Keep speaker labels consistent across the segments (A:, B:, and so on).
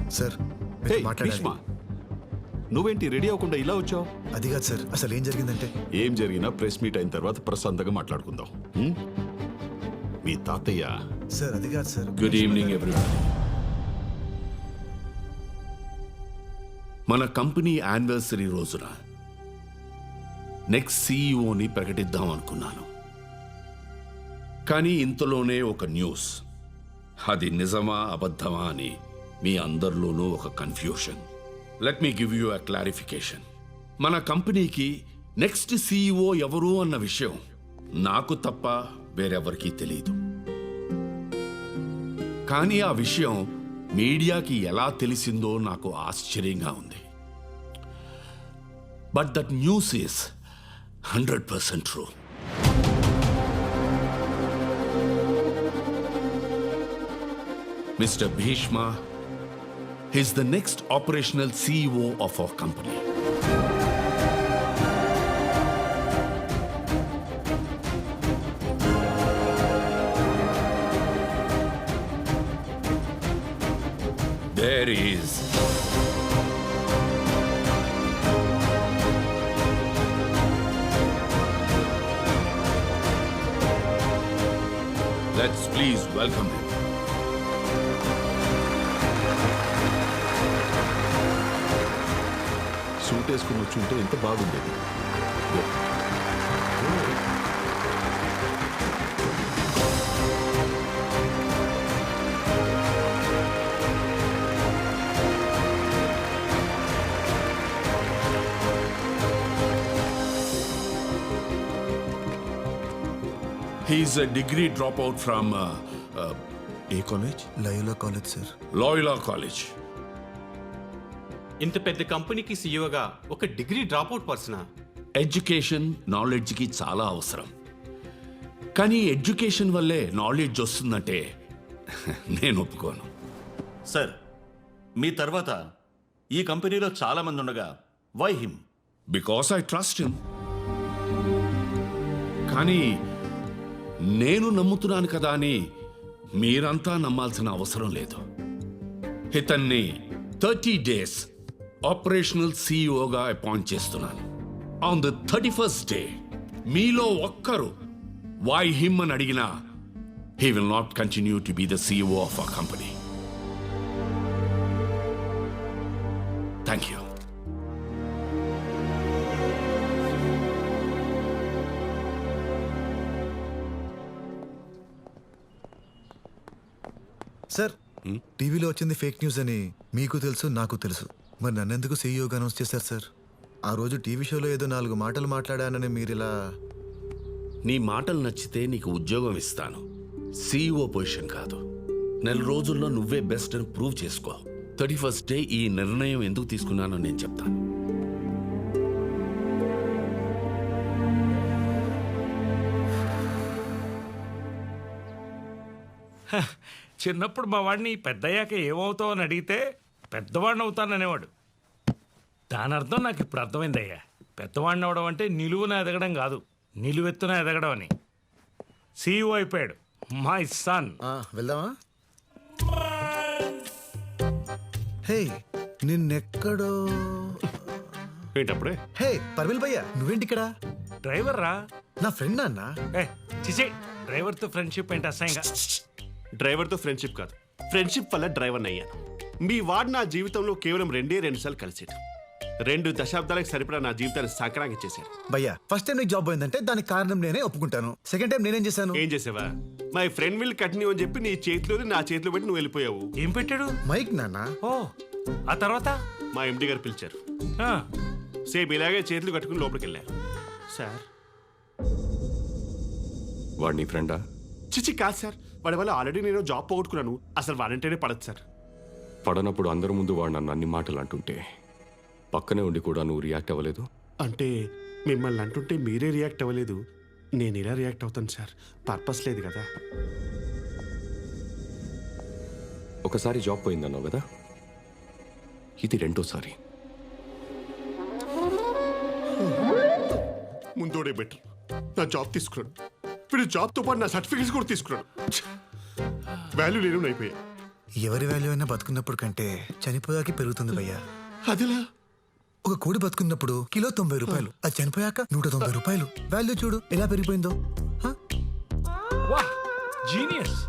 A: Sir
B: హే,
A: మాట్లాడాలి.
B: భీష్మ, నువ్వేంటి ready అవ్వకుండా ఇలా వచ్చావు?
A: అది కాదు సార్, అసలు ఏం జరిగిందంటే
B: ఏం జరిగినా ప్రెస్ మీట్ అయిన తర్వాత ప్రశాంతంగా మాట్లాడుకుందాం. హ్మ్? మీ తాతయ్య.
A: సార్ అది కాదు సార్.
B: Good evening everyone. మన కంపెనీ యానివర్సరీ రోజున నెక్స్ట్ సీఈఓని ప్రకటిద్దాం అనుకున్నాను. కానీ ఇంతలోనే ఒక న్యూస్. అది నిజమా అబద్ధమా అని మీ అందరిలోనూ ఒక confusion. Let me give you a clarification. మన కంపెనీకి నెక్స్ట్ సీఈఓ ఎవరు అన్న విషయం నాకు తప్ప వేరెవరికీ తెలియదు. కానీ ఆ విషయం మీడియాకి ఎలా తెలిసిందో నాకు ఆశ్చర్యంగా ఉంది. But that news is 100% true. Mr. Bhishma is the next operational CEO of our company. There is let's please welcome him. Suit వేసుకుని వచ్చి ఉంటే ఎంత బాగుండేది. He's a degree dropout from ఏ college?
A: Loyola college sir.
B: Loyola College.
C: ఇంత పెద్ద కంపెనీకి సీఈఓగా ఒక డిగ్రీ డ్రాప్అవుట్ పర్సనా?
B: ఎడ్యుకేషన్ నాలెడ్జ్కి చాలా అవసరం. కానీ ఎడ్యుకేషన్ వల్లే నాలెడ్జ్ వస్తుందంటే నేను ఒప్పుకోను.
D: సార్, మీ తర్వాత ఈ కంపెనీలో చాలా మంది ఉండగా why him?
B: Because I trust him. కానీ నేను నమ్ముతున్నాను కదా అని మీరంతా నమ్మాల్సిన అవసరం లేదు. ఇతన్ని 30 days ఆపరేషనల్ సీఈఓగా అపాయింట్ చేస్తున్నాను. ఆన్ ద 31st day మీలో ఒక్కరు వై హిమ్ అని అడిగినా he will not continue to be the CEO of our company. Thank you.
A: Sir టీవీలో వచ్చింది ఫేక్ న్యూస్ అని మీకు తెలుసు, నాకు తెలుసు. మరి నన్నెందుకు సీఈఓగా అనౌన్స్ చేశారు సార్? ఆ రోజు టీవీ షోలో ఏదో 4 మాటలు మాట్లాడానని మీరు ఇలా.
B: నీ మాటలు నచ్చితే నీకు ఉద్యోగం ఇస్తాను, సీఈఓ పొజిషన్ కాదు. 4 రోజుల్లో నువ్వే బెస్ట్ అని ప్రూవ్ చేసుకో. 31st day ఈ నిర్ణయం ఎందుకు తీసుకున్నానో నేను చెప్తాను.
E: చిన్నప్పుడు మా వాడిని పెద్దయ్యాక ఏమవుతావు అని అడిగితే పెద్దవాడిని అవుతాననేవాడు. దాని అర్థం నాకు ఇప్పుడు అర్థమైందయ్యా. పెద్దవాడిని అవడం అంటే నిలువున ఎదగడం కాదు, నిలువెత్తున ఎదగడం అని. సీఈఓ అయిపోయాడు మై సన్.
A: వెళ్దామా? హే నిన్నెక్కడో.
B: ఏంటప్పుడే?
A: హే పర్విల్ భయ్యా, నువ్వేంటి ఇక్కడ?
E: డ్రైవర్ రా.
A: నా ఫ్రెండ్ అన్న.
E: ఏ చిచే, డ్రైవర్తో ఫ్రెండ్షిప్ ఏంటి అసహ్యంగా.
F: డ్రైవర్తో ఫ్రెండ్షిప్ కాదు, ఫ్రెండ్షిప్ వల్ల డ్రైవర్ని అయ్యాను. మీ వాడు నా జీవితంలో కేవలం 2 సార్లు కలిసాడు. 2 దశాబ్దాలకు సరిపడా నా జీవితాన్ని సంక్రాంతి చేశాడు.
A: భయ్యా ఫస్ట్ టైం నీకు జాబ్ పోయిందంటే దానికి కారణం నేనే ఒప్పుకుంటాను. సెకండ్ టైం నేనేం చేశాను?
F: ఏం చేసావా? మై ఫ్రెండ్ విల్ కంటిన్యూ అని చెప్పి నీ చేతిలోది నా చేతిలో పెట్టి నువ్వు వెళ్ళిపోయావు.
E: ఏం పెట్టాడు?
A: మైక్ నాన్న.
E: ఓ ఆ తర్వాత
F: మా ఎండి గారు పిలిచారు.
E: ఆ,
F: సేమ్ ఇలాగే చేతులు కట్టుకుని లోపలికి వెళ్ళారు. సార్,
G: వాడు నీ ఫ్రెండా?
F: చిచి కాదు సార్, వాడి వల్ల ఆల్రెడీ నేను జాబ్ పోగొట్టుకున్నాను. అసలు వాడంటేనే పడదు సార్.
G: పడనప్పుడు అందరి ముందు వాడు నన్ను అన్ని మాటలు అంటుంటే పక్కనే ఉండి కూడా నువ్వు రియాక్ట్ అవ్వలేదు.
F: అంటే మిమ్మల్ని అంటుంటే మీరే రియాక్ట్ అవ్వలేదు, నేను ఇలా రియాక్ట్ అవుతాను సార్. పర్పస్ లేదు కదా.
G: ఒకసారి జాబ్ పోయిందన్నావు కదా, ఇది 2వ సారి.
F: ముందోడే బెటర్. నా జాబ్ తీసుకున్నాడు, వీడు జాబ్తో పాటు నా సర్టిఫికేట్స్ కూడా తీసుకున్నాడు. వాల్యూ లేని అయిపోయాయి.
A: ఎవరి వాల్యూ అయినా బతుకున్నప్పుడు కంటే చనిపోయాక పెరుగుతుంది భయ్యా.
F: అదిలా
A: ఒక కోడి బతుకున్నప్పుడు కిలో 90 రూపాయలు, అది చనిపోయాక 190 రూపాయలు. వాల్యూ చూడు ఎలా పెరిగిపోయిందో. హ?
E: వా జీనియస్.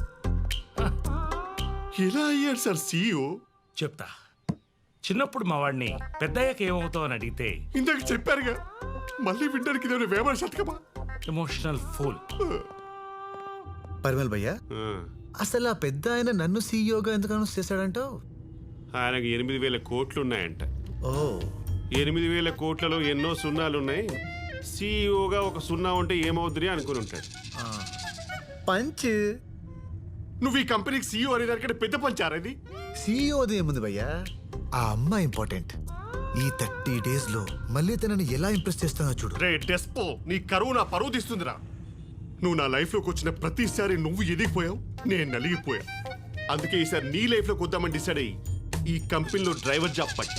F: ఎలా అయ్యాడు సార్ సీఈఓ?
E: చెప్తా. చిన్నప్పుడు మా వాడిని పెద్దయ్యాక ఏమవుతావు అని అడిగితే
F: ఇందాక చెప్పారుగా, మళ్ళీ వినడానికి నేను వేమన శతకమా?
E: Emotional fool.
A: పరిమల్ భయ్యా, అసలు ఆ పెద్ద ఆయన నన్ను సీఈఓగా ఎందుకు అనౌన్స్ చేశాడంటావు?
F: ఆయనకు 8,000 కోట్లు ఉన్నాయంట.
A: ఓ
F: 8,000 కోట్లలో ఎన్నో సున్నాలున్నాయి. సీఈఓగా ఒక సున్నా ఉంటే ఏమవుతుంది అనుకుని ఉంటాడు.
A: పంచ్.
F: నువ్వు ఈ కంపెనీకి సీఈఓ అనే దానికంటే పెద్ద పంచారది.
A: సీఈఓది ఏముంది భయ్యా, ఆ అమ్మాయి ఇంపార్టెంట్. ఈ 30 days లో మళ్ళీ తనని ఎలా ఇంప్రెస్ చేస్తానో చూడు.
F: రే డెస్పో, నీ కరువు నా పరువు తీస్తుందిరా. నువ్వు నా లైఫ్లోకి వచ్చిన ప్రతిసారి నువ్వు ఎదిగిపోయావు, నేను నలిగిపోయా. అందుకే ఈసారి నీ లైఫ్లోకి వద్దామని డిసైడ్ అయ్యి ఈ కంపెనీలో డ్రైవర్ జాబ్ పట్టా.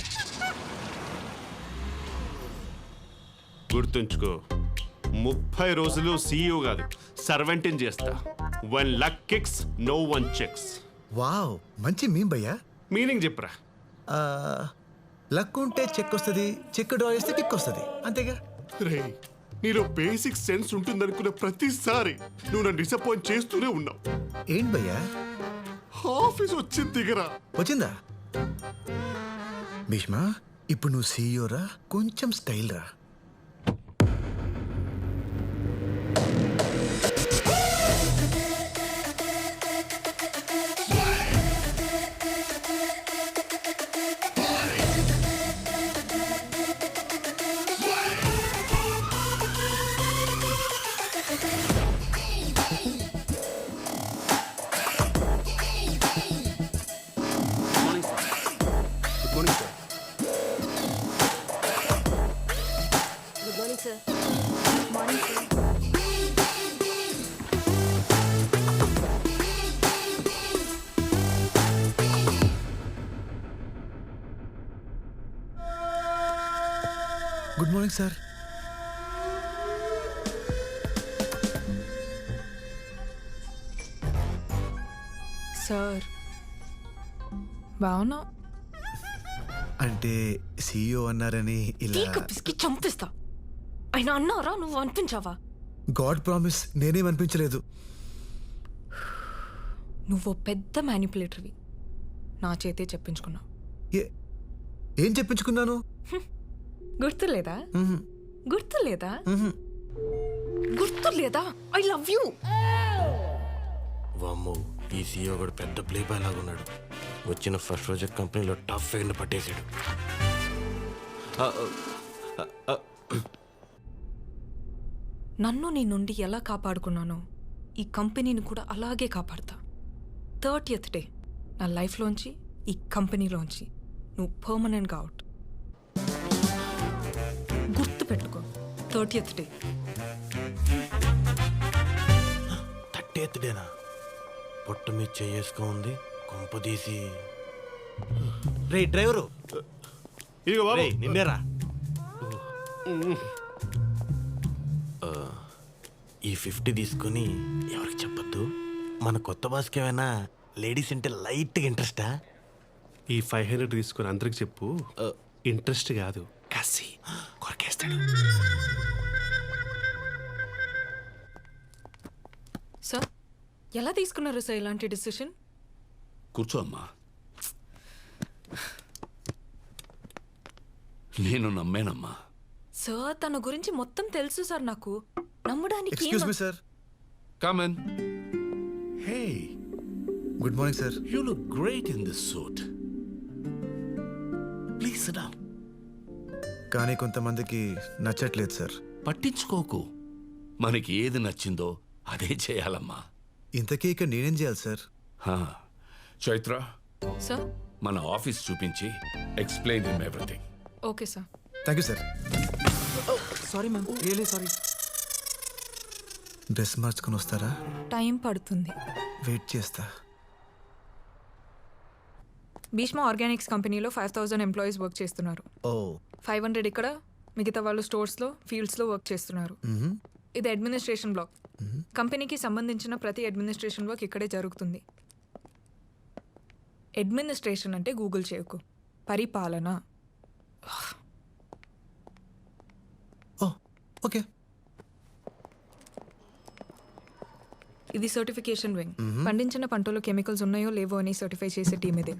F: గుర్తుంచుకో, 30 రోజులు సీఈఓ కాదు సర్వెంటింగ్ చేస్తా. One luck kicks, no one checks.
A: Wow, మంచి మీమ్ భయ్యా.
F: మీనింగ్ చెప్పరా.
A: ఆ, లక్ ఉంటే చెక్ వస్తుంది, చెక్ డ్రా చేస్తే కిక్ వస్తుంది, అంతేగా.
F: రే, నీలో బేసిక్ సెన్స్ ఉంటుందనుకున్న ప్రతిసారి నువ్వు నన్ను డిసప్పాయింట్ చేస్తూనే ఉన్నావు.
A: ఏంటి భయ్యా,
F: ఆఫీస్ వచ్చింది దిగరా.
A: వచ్చిందా? భీష్మా, ఇప్పుడు నువ్వు సీఈఓ రా, కొంచెం స్టైల్ రా.
H: Good morning, sir. Morning, sir.
A: Good morning sir.
I: Sir బావునా?
A: అంటే సీఈఓ అన్నారని ఇలా.
H: తీక పిసికి చంపిస్తా. ఆయన అన్నారా, నువ్వు అనిపించావా?
A: గాడ్ ప్రామిస్, నేనేం అనిపించలేదు.
I: నువ్వు పెద్ద మ్యానిపులేటర్వి. నా చేతే చెప్పించుకున్నావు.
A: ఏం చెప్పించుకున్నాను?
I: గుర్తులేదా?
A: మ్మ్.
I: గుర్తులేదా?
A: మ్మ్.
H: గుర్తులేదా? I love you.
J: వామ్మో, ఈ సీఈఓ కూడా పెద్ద ప్లే బాయ్ లాగా ఉన్నాడు. వచ్చిన ఫస్ట్ రోజు కంపెనీలో టఫ్ ఎండ్ పట్టేశాడు.
I: నన్ను నీ నుండి ఎలా కాపాడుకున్నానో ఈ కంపెనీని కూడా అలాగే కాపాడతా. 30th డే నా లైఫ్లోంచి, ఈ కంపెనీలోంచి నువ్వు పర్మనెంట్గా అవుట్. గుర్తు పెట్టుకో, 30th డే.
J: 30th డేనా? పొట్ట మీద చేసుకొని ఉంది, కొంపదీసి. రే డ్రైవరు,
F: ఇదిగో బాబు.
J: రేయ్, నిన్నేరా. ఈ 50 తీసుకొని ఎవరికి చెప్పొద్దు. మన కొత్త బాస్కి ఏమైనా లేడీస్ అంటే లైట్గా ఇంట్రెస్టా?
F: ఈ 500 తీసుకొని అందరికి చెప్పు. ఇంట్రెస్ట్ కాదు, కసి కొరకేస్తాడు.
I: సార్ ఎలా తీసుకున్నారు సార్ ఇలాంటి డిసిషన్?
B: కూర్చో అమ్మా. నేను నమ్మానమ్మా.
I: సార్ తన గురించి మొత్తం తెలుసు సార్ నాకు. నమ్మడానికి
A: excuse me sir.
B: Come on. Hey,
A: good morning sir.
B: you look great in this suit. Please sit down.
A: కానీ కొంతమందికి నచ్చట్లేదు సార్.
B: పట్టించుకోకు. మనకి ఏది నచ్చిందో అదే చేయాలమ్మా.
A: ఇంతకీ ఇక్కడ నేనేం చేయాలి సార్?
B: హా, చైత్ర,
I: సార్
B: మన ఆఫీస్ చూపించి explain him everything.
I: Okay sir.
A: Thank you sir.
J: Sorry ma'am, really sorry.
A: Dress మార్చుకొని వస్తారా?
I: టైం పడుతుంది.
A: వెయిట్ చేస్తా.
I: భీష్మ ఆర్గానిక్స్ కంపెనీలో 5,000 ఎంప్లాయీస్ వర్క్ చేస్తున్నారు.
A: ఓ
I: 500 ఇక్కడ, మిగతా వాళ్ళు స్టోర్స్లో, ఫీల్డ్స్లో వర్క్ చేస్తున్నారు. ఇది అడ్మినిస్ట్రేషన్ బ్లాక్. కంపెనీకి సంబంధించిన ప్రతి అడ్మినిస్ట్రేషన్ వర్క్ ఇక్కడే జరుగుతుంది. అడ్మినిస్ట్రేషన్ అంటే గూగుల్ చేయకు, పరిపాలన.
A: Oh okay.
I: ఇది సర్టిఫికేషన్ వింగ్. పండించిన పంటలో కెమికల్స్ ఉన్నాయో లేవో అని సర్టిఫై చేసే టీం ఇదే.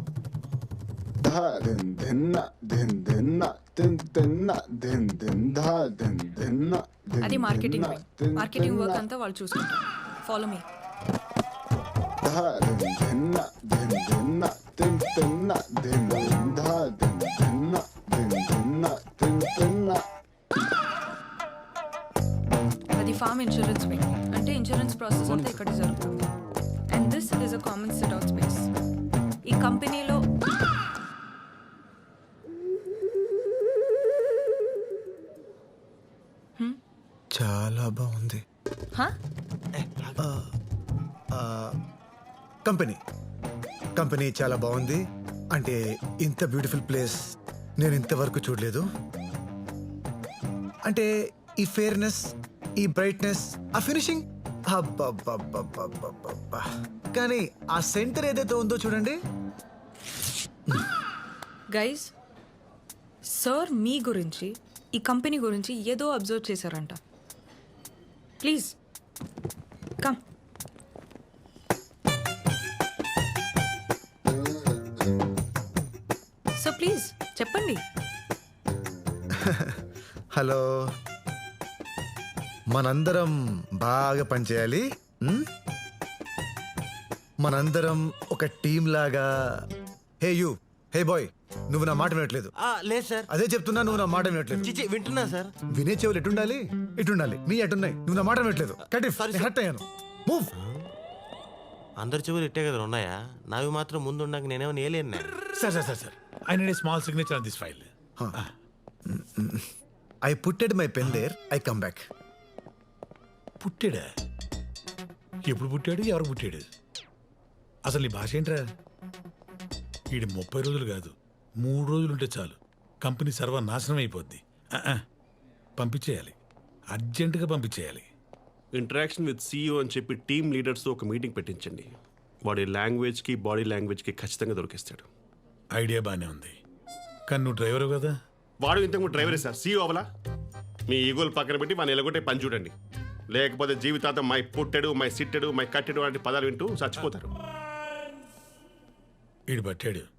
I: అది మార్కెటింగ్ వింగ్. మార్కెటింగ్ వర్క్ అంతా వాళ్ళు చూసుకుంటారు. Follow me. అది ఫార్మ్ ఇన్సూరెన్స్ వింగ్. అంటే ఇన్సూరెన్స్ ప్రాసెస్ అంతా ఇక్కడ జరుగుతుంది. And this is a common sit out space. ఈ కంపెనీలో
A: చాలా బాగుంది.
I: హా?
A: కంపెనీ చాలా బాగుంది. అంటే ఇంత బ్యూటిఫుల్ ప్లేస్ నేను ఇంతవరకు చూడలేదు. అంటే ఈ ఫేర్నెస్, ఈ బ్రైట్నెస్, ఆ ఫినిషింగ్, అబ్బబ్బబ్బబ్బబ్బబ్బబ్బా. కానీ ఆ సెంటర్ ఏదైతే ఉందో చూడండి.
I: గైస్, సార్ మీ గురించి, ఈ కంపెనీ గురించి ఏదో అబ్జర్వ్ చేశారంట. Please come. సో ప్లీజ్ చెప్పండి.
A: హలో, మనందరం బాగా పనిచేయాలి. మనందరం ఒక టీం లాగా. హే యూ, హే బాయ్, నువ్వు నా మాట వినట్లేదు.
J: లేదు సార్.
A: అదే చెప్తున్నా, నువ్వు నా మాట వినట్లేదు.
J: చిచి వింటున్నా సార్.
A: వినే చెవులు ఎటుండాలి? ఇటుండాలి. నీ ఎటున్నాయి? నువ్వు నా మాట వినట్లేదు. కటిఫ్, నేను హర్ట్ అయ్యాను. మూవ్.
J: అందరి చెవులు ఇట్టే కదా ఉన్నాయా? నావి మాత్రం ముందు ఉండక నేనేమో నేలేను.
K: Sir I need a small signature on this file.
A: I putted my pen there, I come back.
K: పుట్టాడా? ఎప్పుడు పుట్టాడు? ఎవరు పుట్టాడు? అసలు నీ భాష ఏంట్రా? వీడి 30 రోజులు కాదు, 3 రోజులు ఉంటే చాలు కంపెనీ సర్వనాశనం అయిపోద్ది. పంపించేయాలి, అర్జెంటుగా పంపించేయాలి.
F: ఇంటరాక్షన్ విత్ CEO అని చెప్పి టీమ్ లీడర్స్తో ఒక మీటింగ్ పెట్టించండి. వాడి లాంగ్వేజ్కి బాడీ లాంగ్వేజ్కి ఖచ్చితంగా దొరికిస్తాడు.
K: ఐడియా బాగానే ఉంది, కానీ నువ్వు డ్రైవరు కదా.
F: వాడు ఇంతకు డ్రైవరే సార్, CEO అవలా. మీ ఈగోలు పక్కన పెట్టి వాడిని ఎలాగొట్టే పని చూడండి. లేకపోతే జీవితాంతం మై పుట్టెడు, మై సిట్టెడు, మై కట్టెడు లాంటి పదాలు వింటూ చచ్చిపోతారు.
K: వీడు పట్టాడు.